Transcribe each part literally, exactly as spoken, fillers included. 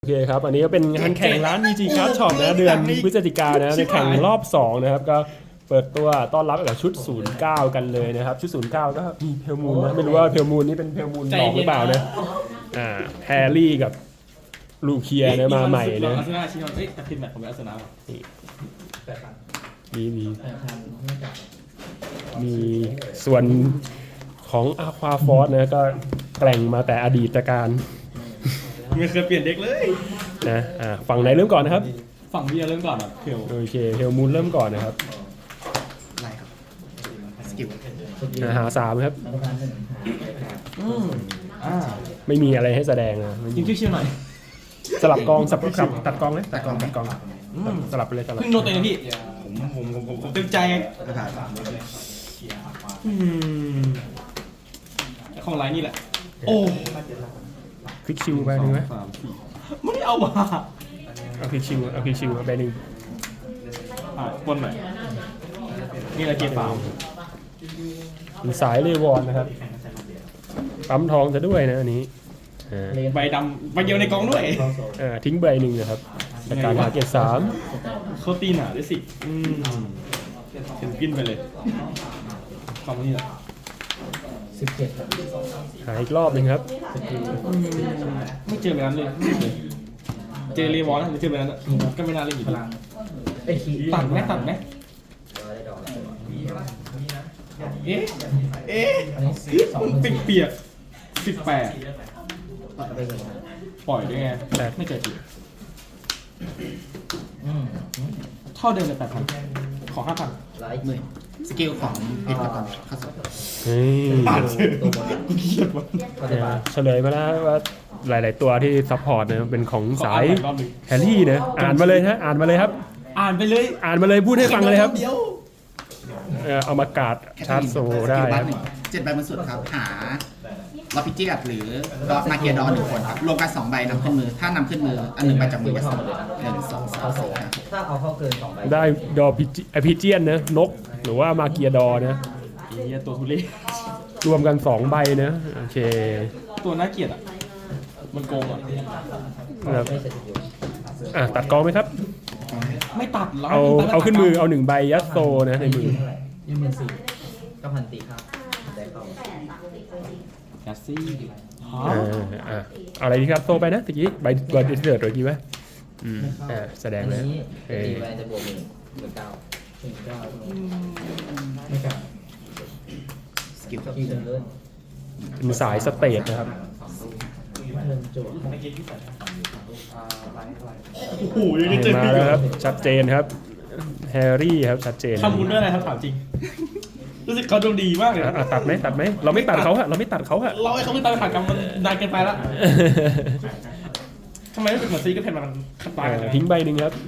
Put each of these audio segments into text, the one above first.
โอเคครับ อันนี้ก็เป็นงานแข่งร้าน วี จี Card Shop นะเดือนพฤศจิกายนนะในแข่งรอบสองนะครับก็เปิดตัวต้อนรับกับชุดศูนย์เก้ากันเลยนะครับชุดศูนย์เก้าก็มีเพลมูนนะไม่รู้ว่าเพลมูนนี่เป็นเพลมูนหลอกหรือเปล่านะอ่าแฮร์รี่กับลูเคียนะมาใหม่นะอาร์เซนอลชิโนเอ้ยแต่ทีมแมตช์ของอาร์เซนอลมีมีมีส่วนของอาควาฟอร์สนะก็แกร่งมาแต่อดีตการไม่เคยเปลี่ยนเด็กเลยนะอ่าฝั่งไหนเริ่มก่อนนะครับฝั่งเบียร์เริ่มก่อนอ่ะเพียวโอเคเพลมูนเริ่มก่อนนะครับไล่ครับสกิลอ่าหาสามครับอืมอ่าไม่มีอะไรให้แสดงนะยิงชิวๆหน่อยสลับกองสับสับตัดกองเลยตัดกองตัดกองสลับไปเลยสลับเพิ่งโดนตัวเองพี่ผมผมผมผมผมเต็มใจไงกระถางอืมของไรนี่แหละโอ้คลิกชิวไปหนึ่งไหมสามสี่ไม่ได้เอามาเอาคลิกชิวเอาคลิกชิวไปหนึ่งอ่ะปนหน่อยนี่แหละเกียร์เปล่าสายเลวอนนะครับปั๊มทองจะด้วยนะอันนี้อ่าใบดำใบเดียวในกองด้วยอ่าทิ้งใบหนึ่งนะครับจากการหาเกียรติสามเขาตีหนาด้วยสิอืมเห็นกินไปเลยความนี้แหละหาอีกรอบหนึ่งครับไม่เจอแบบนั้นเลยไม่เจอเจอเรวอนหรือเจอแบบนั้นอะก็ไม่น่าเล่นอยู่ดีตัดไหมตัดไหมเอ๊ะเอ๊ะปิดเปียกสิบแปดปล่อยได้ไงไม่เกิดจิเท่าเดิมเลยแปดพันขอห้าพันหมื่นสกิลของเพชรกระตอนเข้าสู่เฮ้ยอ่านเชื่อกูเครียดว่ะอ่าเฉลยมาแล้วว่าหลาย ๆ ตัวที่ซัพพอร์ตนะเป็นของสายขออ่านอีกรอบหนึ่งแฮร์รี่นะอ่านมาเลยฮะอ่านมาเลยครับอ่านไปเลยอ่านมาเลยพูดให้ฟังเลยครับเดียวเอ่อเอามากาดชาร์จโซได้สกิลคบัรับตหนึ่งเจ็ดใบบนสุดครับหาลอพิจิกัดหรือลอมาเกียดอนหนึ่งคนครับรวมกันสองใบนำขึ้นมือถ้านำขึ้นมืออันหนึ่งใบจากมือจะสองหนึ่งสองสามสี่ห้าถ้าเอาเข้าเกินสองใบได้ดอพิจิพิเจียนนะนกหรือว่ามาเกียดอนะไอ้เหี้ยตัวทุเรศรวมกันสองใบนะโอเคตัวน่าเกลียดอ่ะมันโกงอ่ะครับไม่เสร็จอยู่อ่ะตัดกองไหมครับไม่ตัดแล้วเอาเอาขึ้นมือเอาหนึ่งใบยัดโซนะในมือเท่าไหร่ยี่หมื่นสี่ก็พันตีครับแต่เขาแคสซี่อ่าอ่ะเอาอะไรดีครับโซไปนะตะกี้ใบใบที่เดือดตัวกี้ไหมอืมอ่าแสดงอันเลยนี้เออตีไปจะบวกหนึ่งหมื่นเก้าหมื่นเก้าไม่กล้าสกิลครับที่เดินเลื่อนเป็นสายสเตทนะครับเดินจั่วโอ้โหยังได้เจอมาแล้วครับชัดเจนครับแฮร์รี่ครับชัดเจนทำบุญด้วยอะไรครับถามจริง รู้สึกเขาดวงดีมากเลยอ่ะอ่ะตัดไหมตัดไหมเราไม่ตัดเขาฮะเราไม่ตัดเขาฮะเราไอ้เขาไม่ตามผ่านกรรมมันนานเกินไปแล้วทำไมไม่เป็นเหมือนซีก็เพนมันขัดตายกันเลยทิ้งใบหนึ่งครับ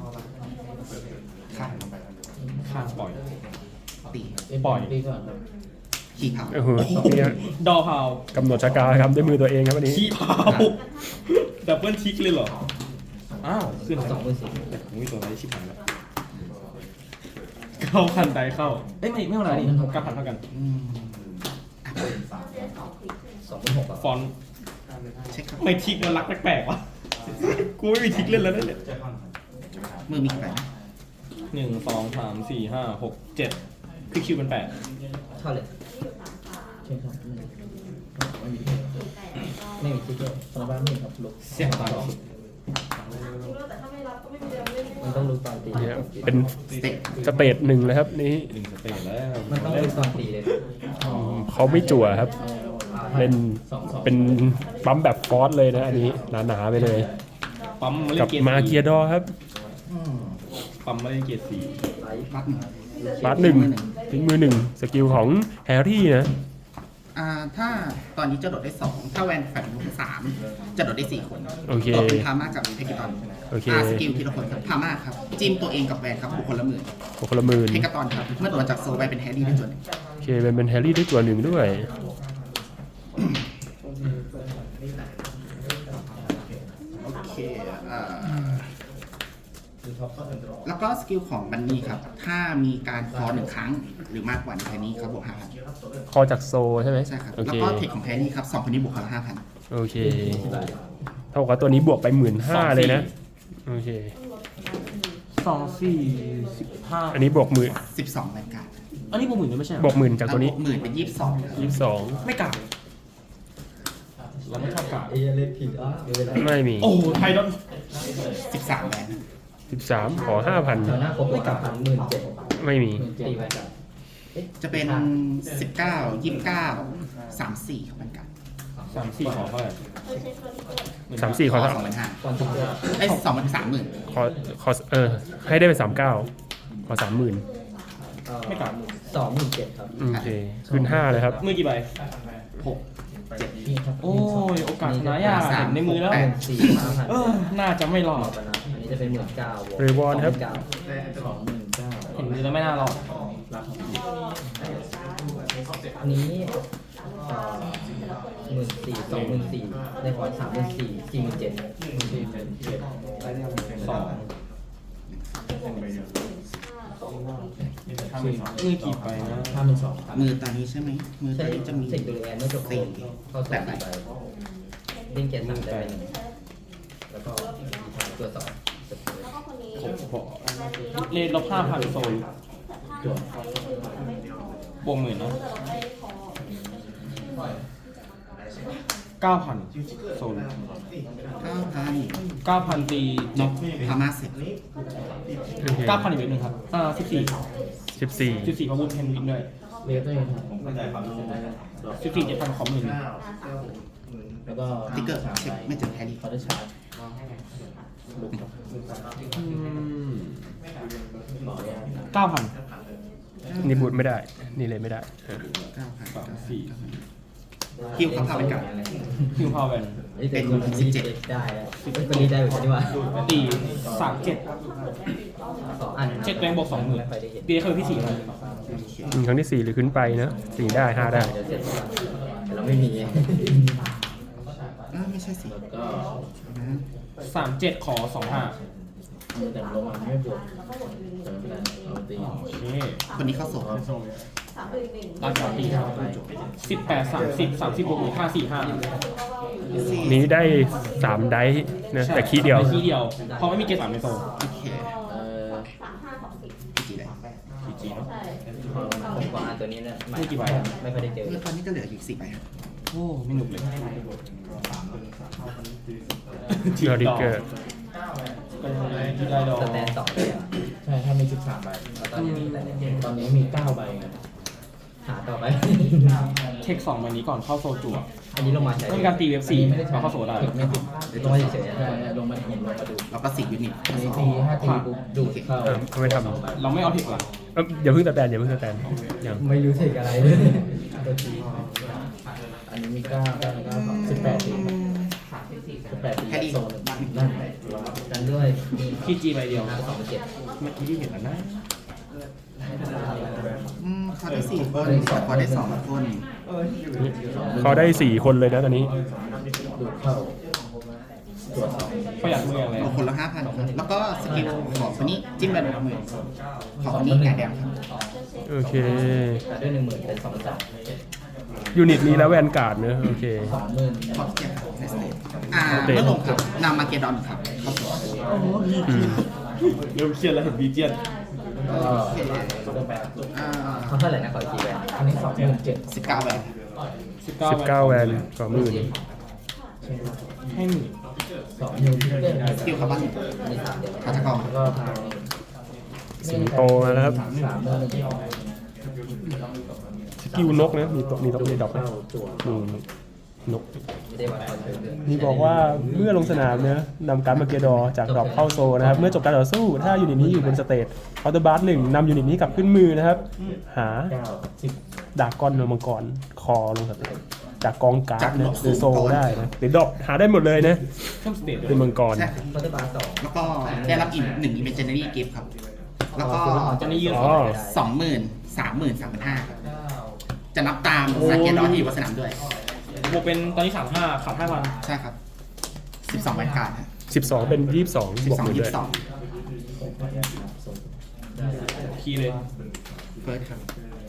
ข้างข้างปล่อยตีปล่อยตีก่อนครับขี้เผาโอ้โหเนี่ยดอพาวกำหนดชะกาครับด้วยมือตัวเองครับวันนี้ขี้พาวดับเบิลทิกเลยเหรอ อ้าว ขึ้นสองหมื่นสี่มีตัวอะไรชิบหายแล้วเข้าพันใดเข้า เอ้ยไม่ไม่เท่าไหร่นี่เก้าพันเท่ากันสองหมื่นหกอ่ะฟอนต์เช็คครับไม่ทิกมันรักแปลกๆวะกูไม่มีทิกเล่นแล้วนั่นเนี่ยมือมีกี่ใบนะหนึ่งสองสามสี่ห้าหกเจ็ดคือคิวเป็นแปดเท่าเลยใช่ครับไม่มีไม่มีที่เดียวสำหรับบ้านไม่มีครับลุกเสียงตายสุดมันต้องลุกตอนตีเนี่ยเป็นสเต็กสเตทหนึ่งเลยครับนี่หนึ่งสเตจแล้วมันต้องลุกตอนตีเลยเขาไม่จั่วครับเล่นสองสองเป็นปั๊มแบบฟอสเลยนะอันนี้หนาๆไปเลยปั๊มมาเล่กับนเกียร์มาเกียร์ดอครับปั๊มมาเล่นเกียร์สี่ไลฟ์บัตหนึ่งบาร์หนึ่งทิ้งมือหนึ่งสกิลของแฮร์รี่นะอ่าถ้าตอนนี้จะโดดได้สองถ้าแวนแฟนสามจะโดดได้สี่คนโอเคโดดเป็นพาม่ากับเพกิตอนโอเคอ่าสกิลทีละคนครับพาม่าครับจิ้มตัวเองกับแวนครับบุคคลละหมื่นคนละหมื่นเพกาตอนครับเมื่อโดนจากโซลไปเป็นแฮร์รี่ได้จวนหนึ่งโอเคเป็นเป็นแฮร์รี่ได้จั่วหนึ่งด้วยโอเคอ่าแล้วก็สกิลของบันนี่ครับ ถ้ามีการคอหนึ่งครั้งหรือมากกว่าในแพนนี้ครับบวกห้าพันคอจากโซใช่ไหมใช่ครับโอแล้วเคก็เทคของแพนนี่ครับสองคนนี้บวกคนละห้าพันโอเคเท่ากับตัวนี้บวกไปหมื่นห้าเลยนะโอเคสองสี่สิบห้าอันนี้บวกหมื่นสิบสองรายการอันนี้บวกหมื่นด้วยไม่ใช่เหรบวกหมื่นจากตัวนี้หมื่นเป็นยี่สิบสองยี่สิบสองไม่กลับเราไม่ชอบกลับเอเล่นผิดอ่ะเดี๋ยวเวลาไม่มีโอ้โหไทยดอนสิบสามแบนสิบสามขอห้าพันแถวหน้าครบกับพันหมื่นเจ็ดไม่มีตีไปกับจะเป็นสิบเก้ายี่สิบเก้าสามสี่ครับเป็นการสามสี่ขอเท่าไหร่สามสี่ขอสเท่าองหมื่นห้าก่อนที่จะไอ้สองหมื่นสามหมื่นขอขอเออให้ได้เป็นสามเก้าขอสามหมื่นไม่กลับสองหมื่นเจ็ดครับโอเคขึ้นห้าเลยครับมือกี่ใบหกเจ็ดนี่ครับโอ้ยโอกาสชนะยากเห็นในมือแล้วแปดสี่ห้าพันเออน่าจะไม่รอดอันนี้จะเป็นหมื่นเก้าเรวอนครับสองหมื่นเก้าเห็นมือแล้วไม่น่ารอดอันนี้หมื่นสี่สองหมื่นสี่ในขอสามหมื่นสี่สี่หมื่นเจ็ดสี่หมื่นเจ็ดสองมือกี่ใบนะห้าหมื่นสองมือตอนนี้ใช่ไหมมือตใช่อนนี้จะมีเสกโดยแอนไม่จบสี่เข้าสองใบเล่นเกียร์สามได้ไปหนึ่งแล้วก็ตัวสองเสร็จเลยผมบอกเลทลบห้าพันโซนตัวบวกหมื่นเนาะเก้าพันโซนเก้าพันเก้าพันตีนกพม่าเสร็จโอเคเก้าพันอีกเวทหนึ่งครับอ่าสิบสี่สิบสี่สิบสี่พาวุธเพนวินด้วยเรียกตัวเองครับสิบสี่เจ็ดพันขอหมื่นแล้วก็ติ๊กเกอร์เช็คไม่เจอแครี่คอร์ดชาร์จเก้าพันนี่บูทไม่ได้ นี่เลยไม่ได้เออเก้าพันสามสี่คิวเขาพาเป็นกับคิวพาวเวนเป็นสิบเจ็ดได้แล้วเป็นรีได้เหมือนกันนี่หว่าตีสามเจ็ดสองอันเช็คแรงบวกสองหมื่นไม่ค่อยได้เห็นตีเคยที่สี่พันอืมครั้งที่สี่หรือขึ้นไปนะสี่ได้ห้าได้เดี๋ยวเสร็จแล้วแต่เราไม่มีอ้าวไม่ใช่สิแล้วก็นะสามเจ็ดขอสองห้าแต่ลงมาไม่บวกแต่ไม่เป็นไรเราตีโอเคคนนี้เข้าโสดราคาตีครับสิบแปดสามสิบสามสิบบวกห้าสี่ห้านี้ได้สามไดส์นะแต่คีย์เดียวคีย์เดียวเพราะไม่มีเกรดสามในโซนโอเคเอ่อพีจีได้พีจีเนาะผมกว่าตัวนี้เนี่ยไม่ไม่ค่อยได้เจอเมื่อตอนนี้ก็เหลืออยู่สี่ใบครับโอ้ไม่หนุกเลยเจอริกเกอร์ที่ได้ดอกสแตนสองเลยอ่ะใช่ถ้ามีสิบสามใบตอนนี้มีแต่ตอนนี้มีเก้าใบหาต่อไปเทคสองใบนี้ก่อนเข้าโซจั่วอันนี้ลงมาใช้ต้องมีการตีเว็บสี่มาเข้าโซได้ไม่ถึงลงมาเฉยๆลงมาผมลงมาดูแล้วก็สี่ยูนิตอันนี้ตีห้าตีปุ๊บดูดเข้าเออเขาไม่ทำเราไม่เอาเทคหลักเอ้ยอย่าเพิ่งสแตนอย่าเพิ่งสแตนยังไม่รู้สึกอะไรเลยอันนี้มีเก้าเก้าเก้าสองสิบแปดตีสิบแปดตีแค่ดีโซนนั่นกันด้วยมีพีจีใบเดียวสองเจ็ดเมื่อกี้ที่เห็นแล้วนะอืมเขาได้สี่คนเขาได้สองคนเขาได้สี่คนเลยนะตอนนี้ดูดเข้าตรวจสอบประหยัดมืออะไรเอาคนละห้าพันแล้วก็สกิลของคนนี้จิ้มไปหนึ่งหมื่นของคนนี้แง่แดงครับโอเคแต่ด้วยหนึ่งหมื่นเป็นสองสามยูนิตนี้แล้วแวนการ์ดเนอะโอเคสองหมื่นขอบเจ็ดครับในสเตทอ่าเมื่อลงครับนำมาเกดอนครับเข้าสู่อืมเริ่มเครียดแล้วเห็นบีเจียนก็อ่าเขาเท่าไหร่นะขออีกทีแวนอันนี้สองหมื่นเจ็ดสิบเก้าแบนสิบเก้าสิบเก้าแวนสองหมื่นให้หมื่นสองหมื่นเจ็ดสกิลครับบ้านอันนี้สามเดือนพัฒกรแล้วก็ทางสิงโตมาแล้วครับสามหมื่นสกิลนกนะมีตัวมีตัวมีดอกนะเข้าตัวอืมนกไม่ได้วัดความเดือนนี่บอกว่าเมื่อลงสนามเนะนำการ์ดมาเกดอร์จากดรอปเข้าโซนนะครับ เมื่อจบการต่อสู้ ถ้ายูนิตนี้อยู่บนสเตจเคาน์เตอร์บาร์หนึ่งนำยูนิตนี้กลับขึ้นมือนะครับ หาเก้าสิบดากอนโนมังกรคอลงสเตจจากกองการ์ดนะหรือโซได้นะหรือดรอปหาได้หมดเลยนะช่องสเตทเป็นมังกรใช่คอร์เตอร์บาร์สองแล้วก็ได้รับอีกหนึ่งอิเมจเนอรี่กิฟต์ครับ แล้วก็จะนี่ยืนอ๋สอองสองหมื่นสามหมื่นสามพันห้าครับจะนับตามสเกตดอนที่อยู่บนสนามด้วยบวกเป็นตอนนี้สามห้าขาดห้าพันใช่ครับสิบสองแบนการ์ดสิบสองเป็นยี่สิบสองสิบบวกสองหมื่นยี่ด้วสิยบสองคีย์เลยเฟิร์สครับ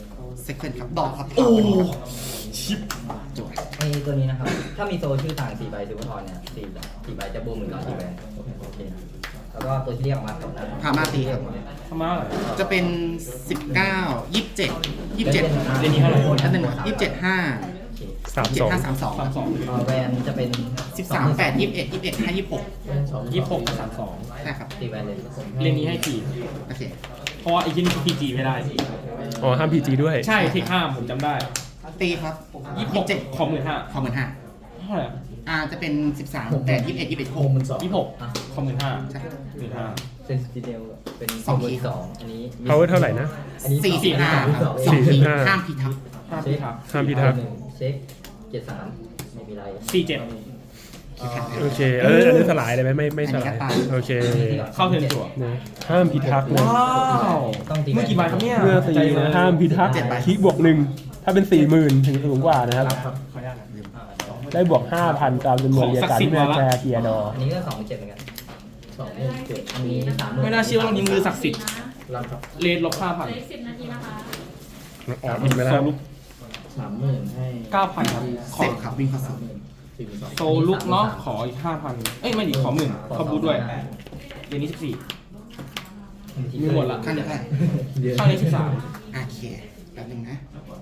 เซคันด์ครับดอกครับโอ้ชิปจวดไอ้ตัวนี้นะครับ ถ้ามีโซชื่อต่างสี่ใบซิลเวอร์ทอนเนี่ยสี่สี่ใบจะบวกหมื่นกับสี่ใบโอเคแล้วก็ตัวที่เรียกออกมากับนั้นพามาตีครับทำไมอะไรจะเป็นสิบเก้ายี่สิบเจ็ดยี่สิบเจ็ดเรนนี้เท่าไหร่อันหนึ่งยี่สิบเจ็ดห้าสามเจ็สดองห้าสามสองสามสองเอ่อแวนจะเป็นสิบสามแปดยี่สิบเอ็ดยี่สิบเอ็ดห้ายี่สิบหกยี่สิบหกกับสามสองใช่ครับตีแวนเลยเรนนี้ให้กี่โอเคเพราะว่าไอ้ที่นี่พีจีไม่ได้อ๋อห้ามพีจีด้วยใช่เทคห้ามผมจำได้ตีครับยี่สิบหกเจ็ดของหมื่นห้าขอหมื่นห้าเท่าไหร่อ่าจะเป็นสิบสามแปดยี่สิบเอ็ดยี่สิบเอ็ดหกหมื่นสองยี่สิบหกของหมื่นห้าใช่หมื่นห้าเป็นสตีเดลเป็นสองขีดสองอันนี้เขาเท่าไหร่นะอันนี้สี่สิบห้าสองสองสี่สิขีบดห้าห้ามผิดครับห้าพี่ครับห้ามพิทักษ์หนึ่งเช็คเจ็ดสามไม่มีไรสี่เจ็ดโอเคเอออันนี้สลายเลยไหมไม่ไม่สลายโอเคเข้าเทิร์นจั่วนะห้ามพิทักษ์นะว้าวต้องตีเมื่อกี่ใบครับเนี่ยเมื่อตีนะห้ามพิทักษ์คิดบวกหนึ่งถ้าเป็นสี่หมื่นถึงสูงกว่านะครับขออนุญาตนะได้บวกห้าพันตามจำนวนเรียกกันเมื่อแชร์เกียร์ดออันนี้ก็สองหมื่นเจ็ดเหมือนกันสองหมื่นเจ็ดอันนี้สามหมื่นไม่น่าเชื่อว่าเรานี้มือศักดิ์สิทธิ์รับครับเลนลบห้าพันสิบนาทีนะคะออกอีกไหมนะครับสามหมื่นให้เก้าพันครับขเสอร็จครับวิ่งเข้าสู่สี่หมื่นสองโซลุกเนาะขออีกห้าพันเอ้ยไม่ดิขอหมื่นขอบูทด้วยเรนนี้สิบสี่ มีหมดละข้างนี้เท่าไหร่ข้างนี้สิบสามโอเคแป๊บนึงนะ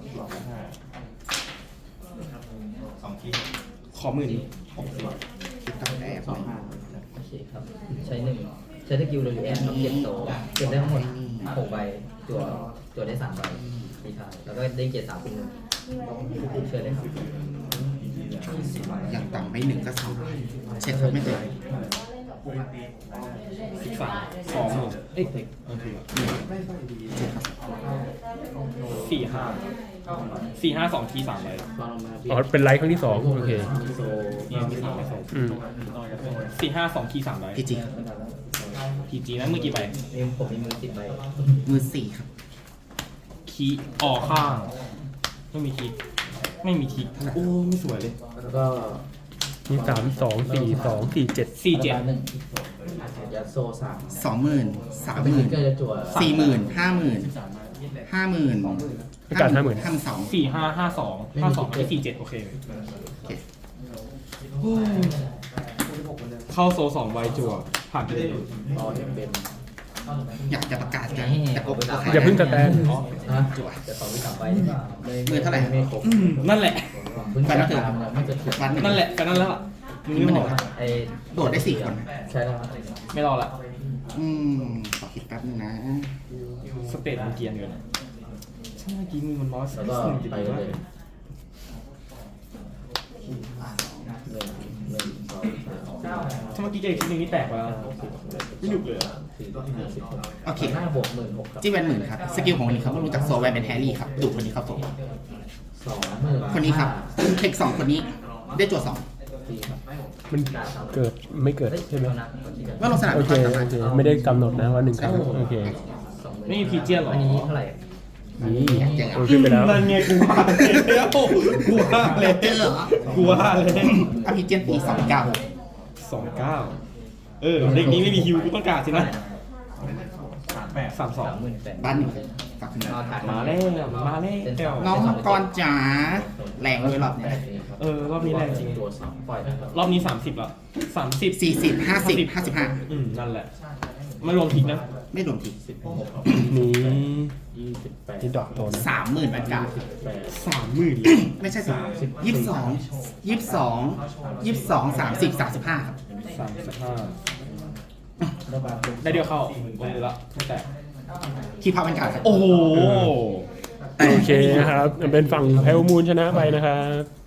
ขอหมื่นคิดตั้งแต่สองห้าโอเคครับ ใช้หนึ่งใช้สกิลโดยแอนเก็บโตเก็บได้ทั้งหมดหกใบตัวตัวได้สามใบมีทายแล้วก็ได้เกียรติสามคนหนึ่งเชิญเลยครับอย่างต่ำไม่หนึ่งก็สองเช็คครับไม่เจอสิบสามสองหมื่นเอ้ยสี่ห้าสี่ห้าสองทีสามใบอ๋อเป็นไลท์ครั้งที่สองโอเคนี่มีสามใบสองอืมสี่ห้าสองทีสามใบพีจีพีจีนั้นมือกี่ใบมีผมมีมือสิบใบมือสี่ครับคีย์ออกข้าง ไม่มีคีย์ไม่มีคีย์โอ้ไม่สวยเลยแล้วก็มีสามสองสี่สองสี่เจ็ดสี่เจ็ดหนึ่งยัดโซสามสองหมื่นสามหเป็นมื่นเกอร์จะจั่วสี่หมื่นห้าหมื่นห้าหมื่นประกาศห้าหมื่นห้าหมื่นสองสี่ห้าห้าสองห้าสองไอ้สี่เจ็ดโอเคโอเคเข้าโซสองใบจั่วผ่านไปเลยรอจะเป็นอยากจะประกาศกันแต่ก็ก็ใครอย่าเพิ่งสแตนฮะจะต่อวิสามใบหรือเปล่ามือเท่าไหร่ไม่ครบอืมนั่นแหละเพิ่งจะตามไม่จะถึงวันหนึ่งนั่นแหละก็นั่นแล้วล่ะมึงไม่บอกไอ้โดดได้สี่คนใช่แล้วครับไม่รอละอืมขอคิดแป๊บนึงนะสเตตมันเกรียนเกินใช่เมื่อกี้มือมันร้อยแล้วก็หนึ่งจุดไปหนึ่งเลยหนึ่งหนึ่งสองสามถ้าเมื่อกี้เจออีกทีหนึงนี่แตกไปแล้วไม่หยุดเลยอะสี่ห้าสิบหกโอเคห้าบวกหมื่นหกครับจี้แวนหมื่นครับสกิลของคนนี้ครับรู้จักโซแวนเป็นแฮร์รี่ครับดูคนนี้เข้าโซสองหมื่นคนนี้ครับเทคสองคนนี้ได้จั่วสองสี่ครับมันเกิดไม่เกิดใช่ไหมว่าลงสนามโอเป็นเคความสามารโอถเคไม่ได้กำหนดนะว่าหนึ่งครั้งโอเคไม่มีพีเจียนหรออันนี้เท่าไหร่นี่โอเคไปแล้วนั่นไงกูว่าแล้วกูว่าเลยเจอเหรอกูว่าเลยอภิเจนตีสองเก้าสองเก้าเออเด็กนี้ไม่มีฮิวกูต้องการสินะสามแปดสามสองสามหมื่นแปดบ้านหนึ่งฝากคุณนอนถ่ายมาแล้วมาแล้วน้องมังกรจ๋าแรงเลยรอบเนี้ยเออรอบนี้แรงจริงตัวสองปล่อยนะครับรอบนี้สามสิบละสามสิบสี่สิบห้าสิบห้าสิบห้าอืมนั่นแหละไม่รวมทิกนะไม่รวมทีสิบหกนี่ยี่สิบแปดที่ดอกโตนะสามหมื่นบาทกาแปดสามหมื่นเลยไม่ใช่สามยี่สิบสองยี่สิบสองยี่สิบสองสามสิบสามสิบห้าครับสามสิบห้าระบาดได้เดียวเข้าลงเลยละไม่แตกคีพาวเป็นการครับโอ้โหโอเคนะครับเป็นฝั่งแพลมูลชนะไปนะครับ